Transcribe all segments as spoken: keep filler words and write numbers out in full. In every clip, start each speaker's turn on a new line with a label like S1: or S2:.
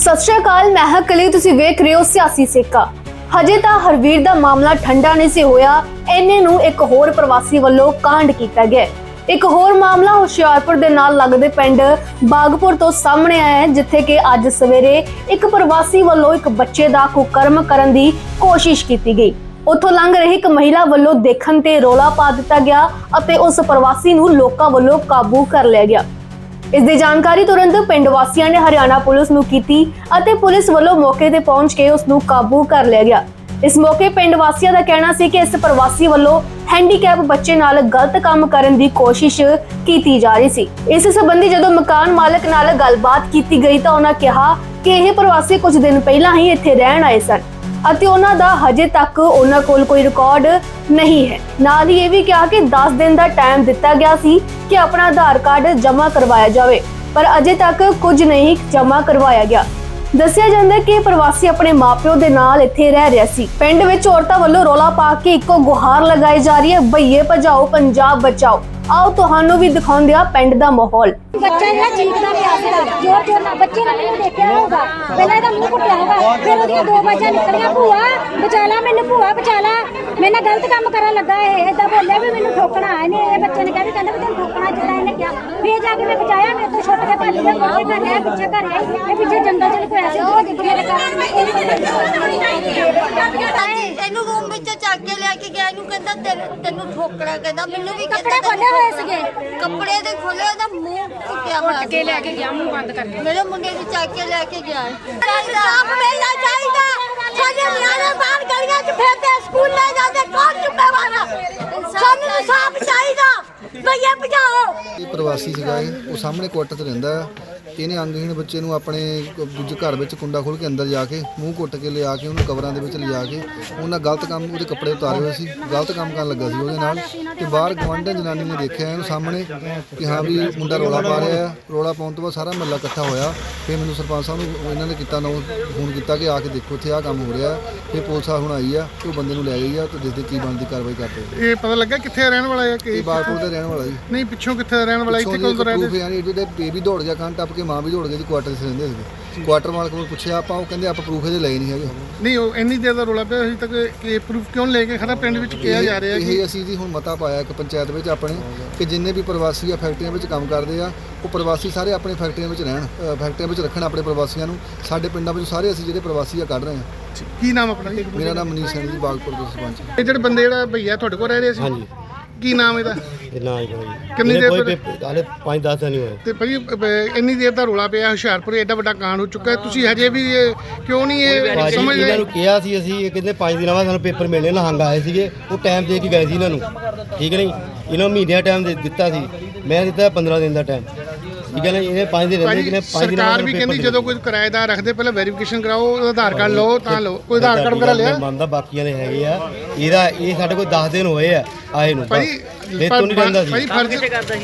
S1: सत श्री अकाल, मैं हां कली, तुसीं वेख रहे हो सियासी सेका। हजे तां हरवीर दा मामला ठंडा नहीं सी होया, इन्ने नूं एक होर प्रवासी वल्लों कांड कीता गया। एक होर मामला हुशियारपुर दे नाल लगदे पिंड बागपुर तो सामने आया है, जिथे कि अज सवेरे एक प्रवासी वल्लों एक बच्चे दा कुकर्म करन दी कोशिश कीती गई। उथों लंघ रही एक महिला वल्लों देखण ते रौला पा दिता गया अते उस प्रवासी नूं लोकां वल्लों काबू कर लिया गया। इस दी जानकारी तुरंत पिंड वासियां ने हरियाणा पुलिस नूं कीती अते पुलिस वल्लों मौके ते पहुंच के उस नूं काबू कर लिया गया। इस मौके पिंड वासियां दा कहना सी कि इस प्रवासी वल्लों हैंडीकैप बच्चे नाल गलत काम करन दी कोशिश कीती जा रही सी। इस संबंधी जदों मकान मालक नाल गलबात कीती गई तां उन्हां कहा कि यह प्रवासी कुछ दिन पहलां ही इत्थे रहण आए सन ਅਤੇ ਉਹਨਾਂ ਦਾ ਹਜੇ ਤੱਕ ਉਹਨਾਂ ਕੋਲ ਕੋਈ ਰਿਕਾਰਡ ਨਹੀਂ ਹੈ। ਨਾਲ ਹੀ ਇਹ ਵੀ ਕਿਹਾ ਕਿ ਦਸ ਦਿਨ ਦਾ ਟਾਈਮ ਦਿੱਤਾ ਗਿਆ ਸੀ ਕਿ ਆਪਣਾ ਆਧਾਰ ਕਾਰਡ ਜਮ੍ਹਾਂ ਕਰਵਾਇਆ ਜਾਵੇ, ਪਰ ਅਜੇ ਤੱਕ ਕੁਝ ਨਹੀਂ ਜਮ੍ਹਾਂ ਕਰਵਾਇਆ ਗਿਆ। ਦੱਸਿਆ ਜਾਂਦਾ ਕਿ ਪ੍ਰਵਾਸੀ ਆਪਣੇ ਮਾਪਿਓ ਦੇ ਨਾਲ ਇੱਥੇ ਰਹਿ ਰਿਹਾ ਸੀ। ਪਿੰਡ ਵਿੱਚ ਔਰਤਾਂ ਵੱਲੋਂ ਰੌਲਾ ਪਾ ਕੇ ਇੱਕੋ ਗੁਹਾਰ ਲਗਾਈ ਜਾ ਰਹੀ ਹੈ, ਭਈਏ ਭਜਾਓ ਪੰਜਾਬ ਬਚਾਓ। आओ ਤੁਹਾਨੂੰ ਵੀ ਦਿਖਾਉਂਦੇ ਆ ਪਿੰਡ ਦਾ ਮਾਹੌਲ।
S2: ਬੱਚਾ ਜਿਹੜਾ ਚੀਕਦਾ ਪਿਆ ਸੀਗਾ ਜੋਰ ਜੋਰ ਨਾਲ, ਬੱਚੇ ਨੇ ਮੈਨੂੰ ਦੇਖਿਆ ਹੋਊਗਾ, ਪਹਿਲਾਂ ਇਹਦਾ ਮੂੰਹ ਘੁੱਟਿਆ ਹੋਊਗਾ, ਫਿਰ ਉਹਦੀਆਂ ਦੋ ਬਾਜਾਂ ਨਿਕਲੀਆਂ, ਭੂਆ ਬਚਾ ਲਾ ਮੈਨੂੰ, ਭੂਆ ਬਚਾ ਲਾ, ਮੇਰੇ ਨਾਲ ਗਲਤ ਕੰਮ ਕਰਨ ਲੱਗਾ। ਇਹ ਏਦਾਂ ਬੋਲਿਆ ਵੀ ਮੈਨੂੰ ਠੋਕਣਾ ਇਹਨੇ। ਇਹ ਬੱਚੇ ਨੇ ਕਿਹਾ ਵੀ ਕਹਿੰਦਾ ਵੀ ਤੈਨੂੰ ਠੋਕਣਾ ਜਿਹੜਾ ਇਹਨੇ ਕਿਹਾ। ਫਿਰ ਜਾ ਕੇ ਮੈਂ ਬਚਾਇਆ, ਮੇਰੇ ਤੋਂ ਛੁੱਟ ਕੇ ਭੱਜ ਗਿਆ। ਮੋਟੇ ਘਰ ਆਇਆ, ਪਿੱਛੇ ਘਰ ਆਇਆ, ਇਹ ਪਿੱਛੇ ਜੰਗਲ ਚ ਲੁਕਿਆ ਸੀ। ਉਹ ਦਿੱਤੀਆਂ ਦੇ ਕਾਰਨ
S3: ਇਹਨੂੰ ਰੂਮ ਵਿੱਚ ਚੱਕ ਕੇ ਲੈ ਕੇ ਗਿਆ। ਇਹਨੂੰ ਕਹਿੰਦਾ ਤੈਨੂੰ ਠੋਕਣਾ, ਕਹਿੰਦਾ ਮੈਨੂੰ ਵੀ
S2: ਕੱਪੜੇ ਖੋਲੇ ਹੋਏ ਸੀਗੇ,
S3: ਕੱਪੜੇ ਦੇ ਖੋਲੇ, ਉਹਦਾ ਮੂੰਹ ਟੁੱਟਿਆ ਹੋਇਆ
S4: ਕੇ ਲੈ ਕੇ ਗਿਆ, ਮੂੰਹ ਬੰਦ ਕਰਕੇ।
S3: ਮੇਰੇ ਮੁੰਡੇ ਨੂੰ ਚੱਕ ਕੇ ਲੈ ਕੇ ਗਿਆ। ਸਾਫ ਮਿਲਣਾ ਚਾਹੀਦਾ। ਸਾਡੇ ਨਿਆਣੇ ਬਾਹਰ ਗਲੀਆਂ 'ਚ ਫਿਰਦੇ, ਸਕੂਲ ਲੈ ਜਾਂਦੇ, ਕੌਣ ਜ਼ਿੰਮੇਵਾਰ ਆ? ਸਾਨੂੰ ਸਾਫ ਚਾਹੀਦਾ। ਭਈਆ ਭਜਾਓ।
S5: ਇਹ ਪ੍ਰਵਾਸੀ ਸੀਗਾ, ਇਹ ਉਹ ਸਾਹਮਣੇ ਕੁਆਟਰ 'ਚ ਰਹਿੰਦਾ ਹੈ। ਇਹਨੇ ਅੰਗਹੀਣ ਬੱਚੇ ਨੂੰ ਆਪਣੇ ਦੂਜੇ ਘਰ ਵਿੱਚ ਕੁੰਡਾ ਖੋਲ੍ਹ ਕੇ ਅੰਦਰ ਜਾ ਕੇ ਮੂੰਹ ਕੁੱਟ ਕੇ ਲਿਆ ਕੇ ਉਹਨੂੰ ਕਵਰਾਂ ਦੇ ਵਿੱਚ ਲਿਜਾ ਕੇ ਉਹਨਾਂ ਗਲਤ ਕੰਮ, ਉਹਦੇ ਕੱਪੜੇ ਉਤਾਰੇ ਹੋਏ ਸੀ, ਗਲਤ ਕੰਮ ਕਰਨ ਲੱਗਾ ਸੀ ਉਹਦੇ ਨਾਲ। ਤੇ ਬਾਹਰ ਗਵਾਂਢਣ ਜਨਾਨੀ ਨੇ ਦੇਖਿਆ ਇਹਨੂੰ ਸਾਹਮਣੇ ਕਿ ਹਾਂ ਵੀ ਮੁੰਡਾ ਰੌਲਾ ਪਾ ਰਿਹਾ ਆ। ਰੌਲਾ ਪਾਉਣ ਤੋਂ ਬਾਅਦ ਸਾਰਾ ਮਹੱਲਾ ਇਕੱਠਾ ਹੋਇਆ। ਫਿਰ ਮੈਨੂੰ ਸਰਪੰਚ ਸਾਹਿਬ ਨੂੰ ਇਹਨਾਂ ਨੇ ਕੀਤਾ ਨੋ ਫੋਨ ਕੀਤਾ ਕਿ ਆ ਕੇ ਦੇਖੋ ਇੱਥੇ ਆਹ ਕੰਮ ਹੋ ਰਿਹਾ। ਫਿਰ ਪੁਲਿਸ ਆ ਹੁਣ ਆਈ ਆ ਤੇ ਉਹ ਬੰਦੇ ਨੂੰ ਲੈ ਗਈ ਆ ਤੇ ਦੇਖਦੇ ਕੀ ਬਣਦੀ ਕਾਰਵਾਈ ਕਰਦੇ।
S6: ਇਹ ਪਤਾ ਲੱਗਾ ਕਿੱਥੇ ਰਹਿਣ ਵਾਲਾ ਹੈ ਕਿ
S5: ਇਹ ਬਾਗਪੁਰ ਦਾ ਰਹਿਣ ਵਾਲਾ ਜੀ।
S6: ਨਹੀਂ, ਪਿੱਛੋਂ ਕਿੱਥੇ ਰਹਿਣ ਵਾਲਾ, ਇੱਥੇ ਕੋਲ ਰਹਿੰਦੇ?
S5: ਯਾਨੀ ਇਹਦੇ ਬੇਬੀ ਦੌੜ ਗਿਆ ਕੰਨ ਟੱਪ ਕੇ, ਮਾਂ ਵੀ ਦੌੜ ਗਈ ਜੀ। ਕੁਆਟਰ 'ਚ ਰਹਿੰਦੇ ਸੀਗੇ। ਕੁਆਟਰ ਮਾਲਕ ਕੋਲ ਪੁੱਛਿਆ ਆਪਾਂ, ਉਹ ਕਹਿੰਦੇ ਆਪਾਂ ਪ੍ਰੂਫ ਇਹਦੇ ਲਏ ਨਹੀਂ ਹੈਗੇ।
S6: ਨਹੀਂ, ਉਹ ਇੰਨੀ ਦੇਰ ਦਾ ਰੌਲਾ ਪਿਆ ਅਜੇ ਤੱਕ ਕਿ ਪ੍ਰੂਫ ਕਿਉਂ ਲੈ ਕੇ ਖੜਾ ਪਿੰਡ ਵਿੱਚ ਕਿਹਾ ਜਾ ਰਿਹਾ ਕਿ
S5: ਇਹ ਅਸੀਂ ਜੀ ਹੁਣ ਮਤਾ ਪਾਇਆ ਇੱਕ ਪੰਚਾਇਤ ਵਿੱਚ ਆਪਣੇ ਕਿ ਜਿੰਨੇ ਵੀ ਪ੍ਰਵਾਸੀ ਆ ਫੈਕਟਰੀਆਂ ਵਿੱਚ ਕੰਮ ਕਰਦੇ ਆ, ਉਹ ਪ੍ਰਵਾਸੀ ਸਾਰੇ ਆਪਣੇ ਫੈਕਟਰੀਆਂ ਵਿੱਚ ਰਹਿਣ, ਫੈਕਟਰੀਆਂ ਵਿੱਚ ਰੱਖਣ ਆਪਣੇ ਪ੍ਰਵਾਸੀਆਂ ਨੂੰ। ਸਾਡੇ ਪਿੰਡਾਂ ਵਿੱਚ ਸਾਰੇ ਅਸੀਂ ਜਿਹੜੇ ਪ੍ਰਵਾਸੀ ਆ ਕੱਢ ਰਹੇ ਹਾਂ।
S6: ਕੀ ਨਾਮ ਆਪਣਾ?
S5: ਮੇਰਾ ਨਾਮ ਮਨੀਸ਼ ਸਿੰਘ ਜੀ, ਬਾਗਪੁਰ ਦੇ ਸਰਪੰਚ।
S6: ਇਹ ਜਿਹੜੇ ਬੰਦੇ ਜਿਹੜਾ ਭਈਆ ਤੁਹਾਡੇ ਕੋਲ ਰਹਿ ਰਹੇ ਸੀ, ਹਾਂਜੀ, ਕੀ ਨਾਮ ਇਹਦਾ?
S7: ਨਾ ਹੀ ਕੋਈ
S6: ਕਿੰਨੀ ਦੇਰ ਤੋਂ?
S7: ਹਾਲੇ ਪੰਜ ਦਸ ਦਿਨ ਹੀ ਹੋਏ।
S6: ਤੇ ਭਾਜੀ ਇੰਨੀ ਦੇਰ ਦਾ ਰੌਲਾ ਪਿਆ, ਹੁਸ਼ਿਆਰਪੁਰ ਐਡਾ ਵੱਡਾ ਕਾਂਡ ਹੋ ਚੁੱਕਾ ਹੈ, ਤੁਸੀਂ ਹਜੇ ਵੀ ਇਹ ਕਿਉਂ ਨਹੀਂ ਇਹ ਸਮਝ
S7: ਇਹਨਾਂ
S6: ਰਹੇ?
S7: ਨੂੰ ਕਿਹਾ ਸੀ ਅਸੀਂ, ਇਹ ਕਹਿੰਦੇ ਪੰਜ ਦਿਨਾਂ ਬਾਅਦ ਸਾਨੂੰ ਪੇਪਰ ਮਿਲਣੇ, ਲਹੰਗ ਆਏ ਸੀਗੇ, ਉਹ ਟਾਈਮ ਦੇ ਕੇ ਗਏ ਸੀ ਇਹਨਾਂ ਨੂੰ, ਠੀਕ ਨਹੀਂ? ਇਹਨਾਂ ਨੂੰ ਮਹੀਨਿਆਂ ਟਾਈਮ ਦੇ ਦਿੱਤਾ ਸੀ, ਮੈਂ ਦਿੱਤਾ ਪੰਦਰਾਂ ਦਿਨ ਦਾ ਟਾਈਮ, ਠੀਕ ਹੈ ਨਾ? ਇਹਨੇ ਪੰਜ ਦਿਨ ਰਹਿੰਦੇ, ਕਿਨੇ ਪੰਜ ਦਿਨਾਂ
S6: ਸਰਕਾਰ ਵੀ ਕਹਿੰਦੀ ਜਦੋਂ ਕੋਈ ਕਿਰਾਏਦਾਰ ਰੱਖਦੇ ਪਹਿਲਾਂ ਵੈਰੀਫਿਕੇਸ਼ਨ ਕਰਾਓ, ਆਧਾਰ ਕਾਰਡ ਲਓ ਤਾਂ ਲਓ। ਕੋਈ ਆਧਾਰ ਕਾਰਡ ਵਗੈਰਾ ਲਿਆ?
S7: ਮੰਨਦਾ, ਬਾਕੀਆਂ ਦੇ ਹੈਗੇ ਆ। ਇਹਦਾ ਇਹ ਸਾਡੇ ਕੋਲ ਦਸ ਦਿਨ ਹੋਏ ਆ ਆਏ ਨੂੰ।
S6: ਭਾਜੀ
S7: ਇਹ ਤੋਂ ਨਹੀਂ ਰਹਿੰਦਾ ਸੀ,
S6: ਭਾਜੀ ਫਰਜ਼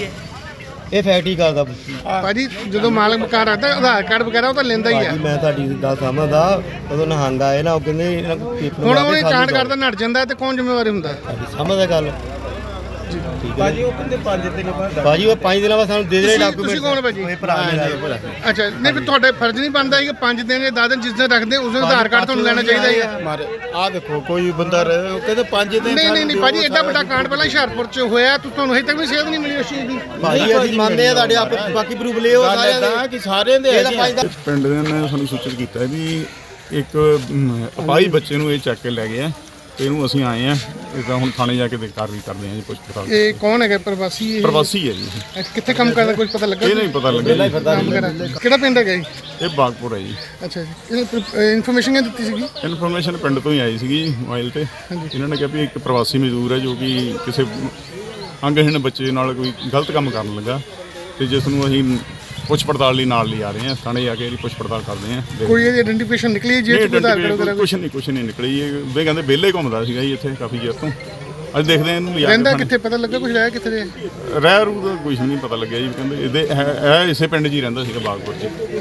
S7: ਇਹ ਫੈਕਟਰੀ ਕਰਦਾ।
S6: ਭਾਜੀ ਜਦੋਂ ਮਾਲਕ ਮਕਾਨ ਰੱਖਦਾ ਆਧਾਰ ਕਾਰਡ ਵਗੈਰਾ ਉਹ ਤਾਂ ਲੈਂਦਾ ਹੀ ਆ।
S7: ਮੈਂ ਤੁਹਾਡੀ ਗੱਲ ਸਮਝਦਾ, ਉਦੋਂ ਨਹੰਗ ਆਏ ਨਾ, ਉਹ ਕਹਿੰਦੇ ਇਹਨਾਂ ਕੋਲ ਪੇਪਰ
S6: ਹੁਣ ਉਹ ਕਾਂਡ ਕਰਦਾ ਨੱਟ ਜਾਂਦਾ ਤੇ ਕੌਣ ਜ਼ਿੰਮੇਵਾਰੀ ਹੁੰਦਾ?
S7: ਸਮਝਦਾ ਗੱਲ? ਭਾਜੀ ਉਹ ਕਹਿੰਦੇ ਪੰਜ ਦਿਨ ਬਾਅਦ, ਭਾਜੀ ਉਹ ਪੰਜ ਦਿਨਾਂ ਬਾਅਦ ਸਾਨੂੰ ਦੇ ਦੇ ਡਾਕੂਮੈਂਟ।
S6: ਤੁਸੀਂ ਕੌਣ ਭਾਜੀ?
S7: ਇਹ ਭਰਾ ਮੇਰਾ।
S6: ਅੱਛਾ, ਨਹੀਂ ਫਿਰ ਤੁਹਾਡੇ ਫਰਜ਼ ਨਹੀਂ ਬਣਦਾ ਕਿ ਪੰਜ ਦਿਨ ਜਾਂ ਦਸ ਦਿਨ ਜਿਸ ਦਿਨ ਰੱਖਦੇ ਉਸ ਦਿਨ ਆਧਾਰ ਕਾਰਡ ਤੁਹਾਨੂੰ ਲੈਣਾ ਚਾਹੀਦਾ ਹੈ?
S8: ਮਾਰੇ ਆ ਦੇਖੋ ਕੋਈ ਬੰਦਾ ਰਹੇ, ਉਹ ਕਹਿੰਦੇ ਪੰਜ ਦਿਨ।
S6: ਨਹੀਂ ਨਹੀਂ ਨਹੀਂ ਭਾਜੀ, ਐਡਾ ਵੱਡਾ ਕਾਂਡ ਪਹਿਲਾਂ ਹੁਸ਼ਿਆਰਪੁਰ 'ਚ ਹੋਇਆ, ਤੁਹਾਨੂੰ ਹਜੇ ਤੱਕ ਵੀ ਸੇਧ ਨਹੀਂ ਮਿਲੀ ਉਸ ਚੀਜ਼ ਦੀ?
S7: ਭਾਜੀ ਅਸੀਂ ਮੰਨਦੇ ਆ ਤੁਹਾਡੇ ਆਪ, ਬਾਕੀ ਪ੍ਰੂਫ ਲਿਓ ਸਾਰਿਆਂ ਦੇ
S8: ਕਿ ਸਾਰਿਆਂ ਦੇ
S9: ਪਿੰਡ ਦੇ ਨੇ ਸਾਨੂੰ ਸੂਚਿਤ ਕੀਤਾ ਵੀ ਇੱਕ ਅਪਾਹਜ ਬੱਚੇ ਨੂੰ ਇਹ ਚੱਕ ਕੇ ਲੈ ਗਏ ਆ। ਇਹਨੂੰ ਅਸੀਂ ਆਏ ਆ, ਇਹਦਾ ਹੁਣ ਥਾਣੇ ਜਾ ਕੇ ਕਾਰਵਾਈ ਕਰਦੇ ਆ ਜੀ, ਪੁੱਛ ਪੜਤਾਲ।
S6: ਇਹ ਕੌਣ ਹੈਗਾ ਪ੍ਰਵਾਸੀ? ਇਹ
S9: ਪ੍ਰਵਾਸੀ ਹੈ ਜੀ।
S6: ਕਿੱਥੇ ਕੰਮ ਕਰਦਾ, ਕੁਝ ਪਤਾ ਲੱਗਾ?
S9: ਇਹ ਨਹੀਂ ਪਤਾ ਲੱਗਿਆ।
S6: ਕਿਹੜਾ ਪਿੰਡ ਹੈਗਾ ਜੀ?
S9: ਇਹ ਬਾਗਪੁਰ ਹੈ ਜੀ।
S6: ਅੱਛਾ ਜੀ, ਇਨਫੋਰਮੇਸ਼ਨ ਕਿਹਨੇ ਦਿੱਤੀ ਸੀਗੀ?
S9: ਇਨਫੋਰਮੇਸ਼ਨ ਪਿੰਡ ਤੋਂ ਹੀ ਆਈ ਸੀਗੀ ਮੋਬਾਈਲ ਤੇ। ਇਹਨਾਂ ਨੇ ਕਿਹਾ ਵੀ ਇੱਕ ਪ੍ਰਵਾਸੀ ਮਜ਼ਦੂਰ ਹੈ ਜੋ ਕਿ ਕਿਸੇ ਅੰਗਹੀਣ ਬੱਚੇ ਨਾਲ ਕੋਈ ਗਲਤ ਕੰਮ ਕਰਨ ਲੱਗਾ, ਤੇ ਜਿਸ ਨੂੰ ਅਸੀਂ ਪੁੱਛ ਪੜਤਾਲ ਲਈ ਨਾਲ ਲਿਆ ਰਹੇ ਹਾਂ। ਥਾਣੇ ਜਾ ਕੇ ਇਹਦੀ ਪੁੱਛ ਪੜਤਾਲ ਕਰਦੇ ਹਾਂ।
S6: ਕੋਈ ਇਹਦੀ ਆਇਡੈਂਟੀਫਿਕੇਸ਼ਨ ਨਿਕਲੀ ਜੇ
S9: ਕੁਛ ਨਹੀਂ ਕੁਛ ਨਹੀਂ ਨਿਕਲੀ। ਇਹ ਵੇ ਕਹਿੰਦੇ ਵਿਹਲੇ ਘੁੰਮਦਾ ਸੀਗਾ ਜੀ ਇੱਥੇ ਕਾਫੀ ਚਿਰ ਤੋਂ। ਅੱਜ ਦੇਖਦੇ ਇਹਨੂੰ ਲਿਆ
S6: ਰਹਿੰਦਾ ਕਿੱਥੇ, ਪਤਾ ਲੱਗਾ ਕੁਝ? ਰਹਿ ਕਿੱਥੇ?
S9: ਰਹਿ ਰੂ ਦਾ ਕੁਝ ਨਹੀਂ ਪਤਾ ਲੱਗਿਆ ਜੀ। ਕਹਿੰਦੇ ਇਹਦੇ ਹੈ ਇਸੇ ਪਿੰਡ 'ਚ ਹੀ ਰਹਿੰਦਾ ਸੀਗਾ ਬਾਗਪੁਰ 'ਚ।